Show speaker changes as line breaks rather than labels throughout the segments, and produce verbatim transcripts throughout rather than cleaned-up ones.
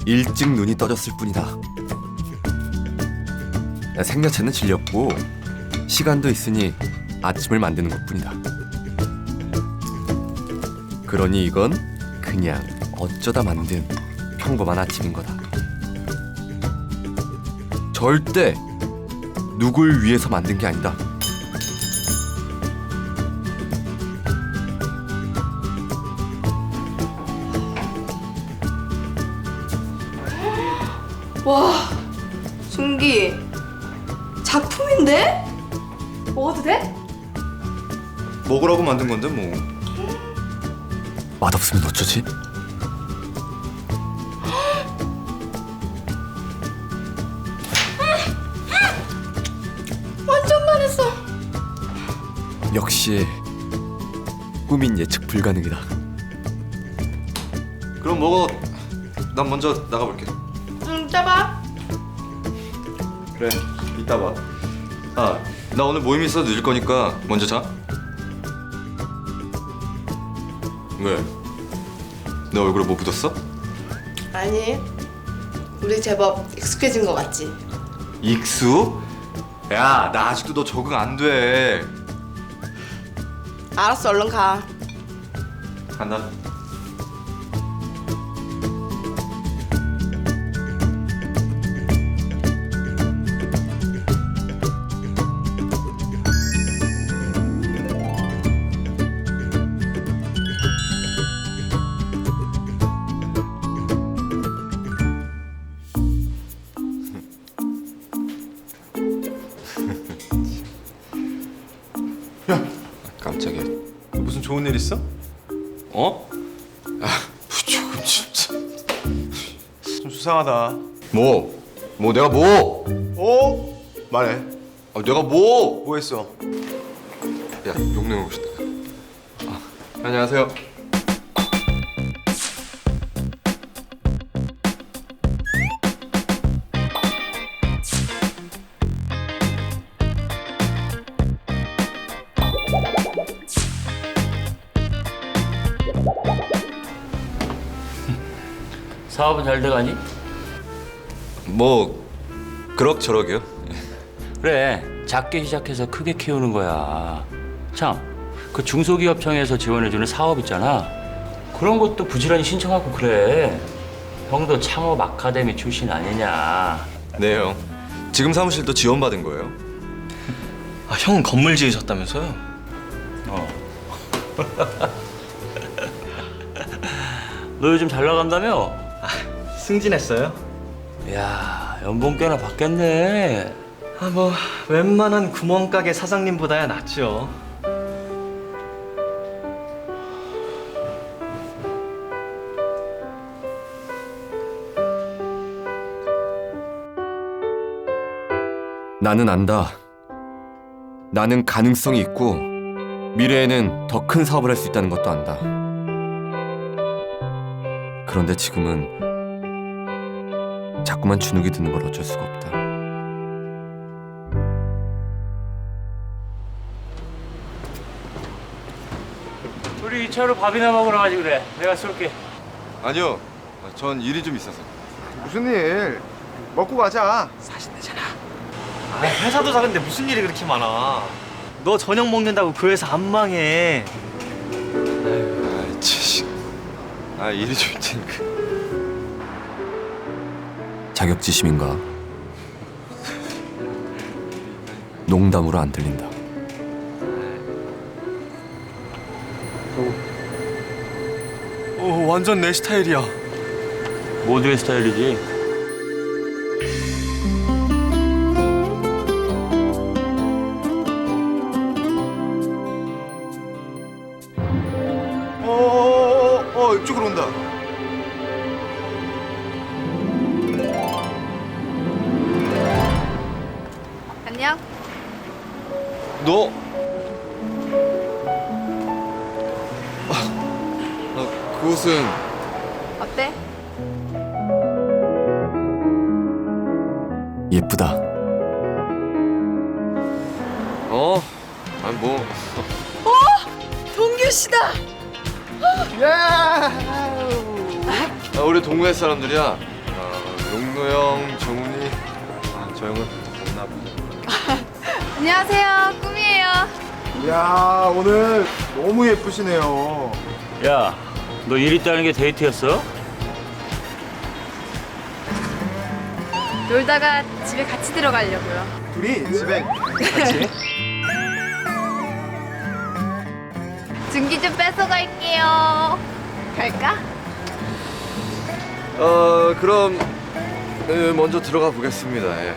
일찍 눈이 떠졌을 뿐이다. 생야채는 질렸고 시간도 있으니 아침을 만드는 것뿐이다. 그러니 이건 그냥 어쩌다 만든 평범한 아침인 거다. 절대 누굴 위해서 만든 게 아니다.
와, 준기 작품인데? 먹어도 돼?
먹으라고 만든 건데 뭐.
맛없으면 어쩌지?
완전 반했어.
역시 꿈인 예측 불가능이다.
그럼 먹어. 난 먼저 나가볼게.
응, 이따 봐.
그래, 이따 봐. 아, 나 오늘 모임 있어 늦을 거니까 먼저 자. 왜? 내 얼굴에 뭐 묻었어?
아니, 우리 제법 익숙해진 거 같지?
익수? 야, 나 아직도 너 적응 안 돼.
알았어, 얼른 가.
간다. 야, 깜짝이야. 무슨 좋은 일 있어? 어? 아, 조금 진짜.
좀 수상하다.
뭐? 뭐 내가 뭐?
어? 말해.
아, 내가 뭐?
뭐 했어?
야, 용내 오시다. 아, 안녕하세요.
사업은 잘 돼가니?
뭐 그럭저럭이요.
그래, 작게 시작해서 크게 키우는 거야. 참, 그 중소기업청에서 지원해주는 사업 있잖아. 그런 것도 부지런히 신청하고 그래. 형도 창업 아카데미 출신 아니냐.
네, 형. 지금 사무실도 지원받은 거예요.
아, 형은 건물 지으셨다면서요?
어. 너 요즘 잘 나간다며?
승진했어요?
야, 연봉 꽤나 받겠네.
아, 뭐 웬만한 구멍가게 사장님보다야 낫죠.
나는 안다. 나는 가능성이 있고 미래에는 더 큰 사업을 할 수 있다는 것도 안다. 그런데 지금은 자꾸만 주눅이 드는 걸 어쩔 수가 없다.
우리 이 차로 밥이나 먹으러 가지 그래. 내가 쏠게.
아니요. 아, 전 일이 좀 있어서.
무슨 일? 먹고 가자.
아, 회사도 작은데 무슨 일이 그렇게 많아. 너 저녁 먹는다고 그 회사 안 망해.
아, 참. 아, 일이 좀 있으니까.
자격지심인가? 농담으로 안 들린다.
오, 완전 내 스타일이야.
모두의 스타일이지.
어, 어, 어, 어, 이쪽으로 온다.
안녕.
너? 아, 아, 그것은
어때?
예쁘다.
어? 아니 뭐.
동규 씨다.
아, 우리 동네 사람들이야. 아, 용도 형, 정훈이. 아, 저 형은 없나 보다.
안녕하세요. 꿈이에요.
이야, 오늘 너무 예쁘시네요.
야, 너 일 있다는 게 데이트였어?
놀다가 집에 같이 들어가려고요.
둘이 집에 같이?
증기 좀 뺏어갈게요. 갈까?
어, 그럼 네, 먼저 들어가 보겠습니다. 예.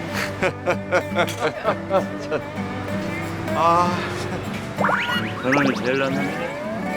아,
너는 제일 낫네.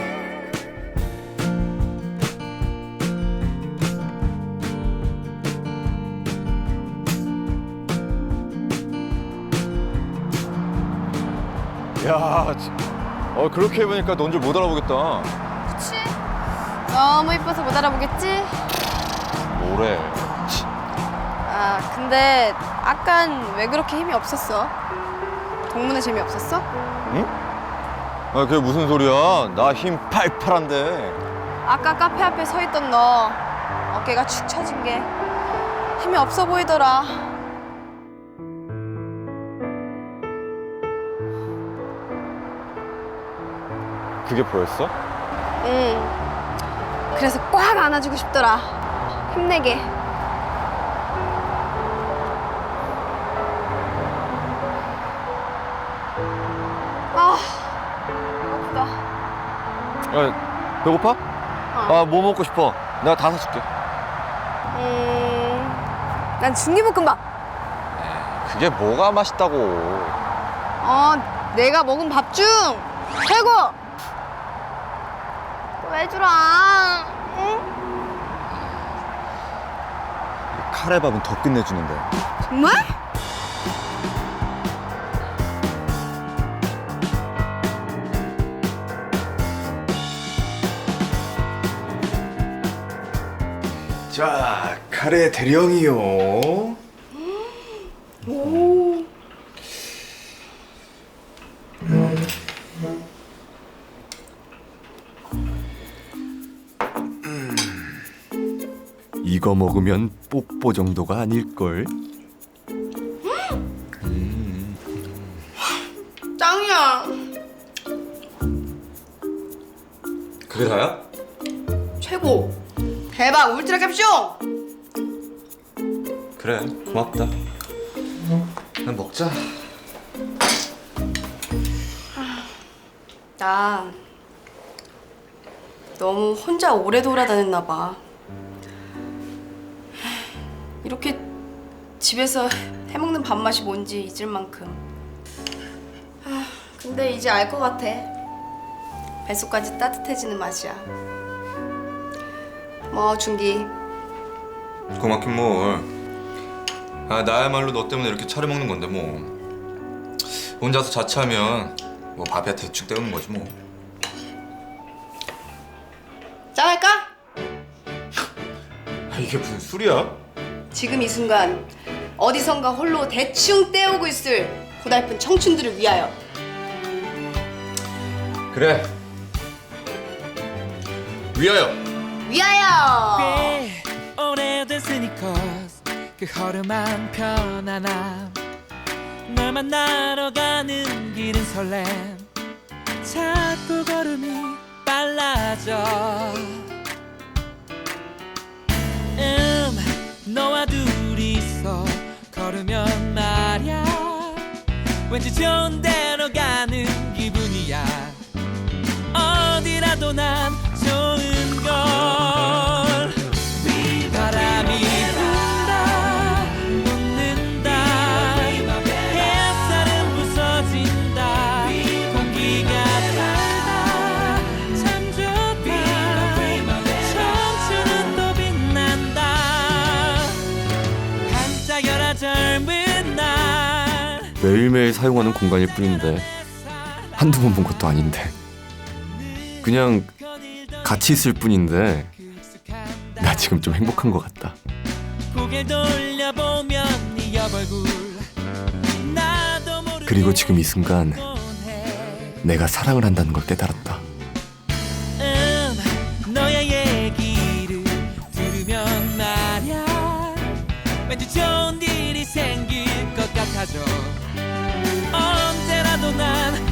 야, 지- 어 그렇게 해보니까 넌 줄 못 알아보겠다.
그치? 너무 이뻐서 못 알아보겠지?
뭐래?
아, 근데 아깐 왜 그렇게 힘이 없었어? 동문회 재미없었어?
아, 그게 무슨 소리야? 나 힘 팔팔한데.
아까 카페 앞에 서 있던 너 어깨가 축 처진 게 힘이 없어 보이더라.
그게 보였어?
응. 그래서 꽉 안아주고 싶더라. 힘내게. 아, 배고프다.
야, 배고파? 아, 뭐 먹고 싶어? 내가 다 사줄게.
음, 난 중기볶음밥.
그게 뭐가 맛있다고?
어, 내가 먹은 밥 중 최고. 또 해주라. 응?
카레밥은 더 끝내주는데.
정말?
자, 카레 대령이요.
이거 먹으면 뽀뽀 정도가 아닐걸.
짱이야.
그게 다야?
최고. 대박. 울트라 캡숑.
그래, 고맙다. 그냥 먹자.
나 너무 혼자 오래 돌아다녔나 봐. 이렇게 집에서 해먹는 밥맛이 뭔지 잊을 만큼. 아, 근데 이제 알 것 같아. 뱃속까지 따뜻해지는 맛이야. 뭐 준기.
고맙긴 뭘. 아, 나야말로 너 때문에 이렇게 차려 먹는 건데 뭐. 혼자서 자취하면 뭐 밥이야 대충 때우는 거지 뭐.
짠할까?
아, 이게 무슨 술이야?
지금 이 순간 어디선가 홀로 대충 때우고 있을 고달픈 청춘들을 위하여.
그래. 위하여.
위하여.
꽤 오래된 스니커스 그 허름한 편안함 널 만나러 가는 길은 설렘 자꾸 걸음이 빨라져 음 너와 둘이서 걸으면 말야 왠지 좋은 데로 가는 기분이야 어디라도 난 좋은 걸 바람이 분다 웃는다 햇살은 부서진다 공기가 달다 참 좋다 청춘은 또 빛난다 반짝여라 젊은 날
매일매일 사용하는 공간일 뿐인데 한두 번 본 것도 아닌데 그냥 같이 있을 뿐인데 나 지금 좀 행복한 것 같다.
고개 돌려보면 네 옆얼굴 나도 모르게
그리고 지금 이 순간
해.
내가 사랑을 한다는 걸 깨달았다.
음, 너의 얘기를 들으면 말야 왠지 좋은 일이 생길 것 같아져. 언제라도 난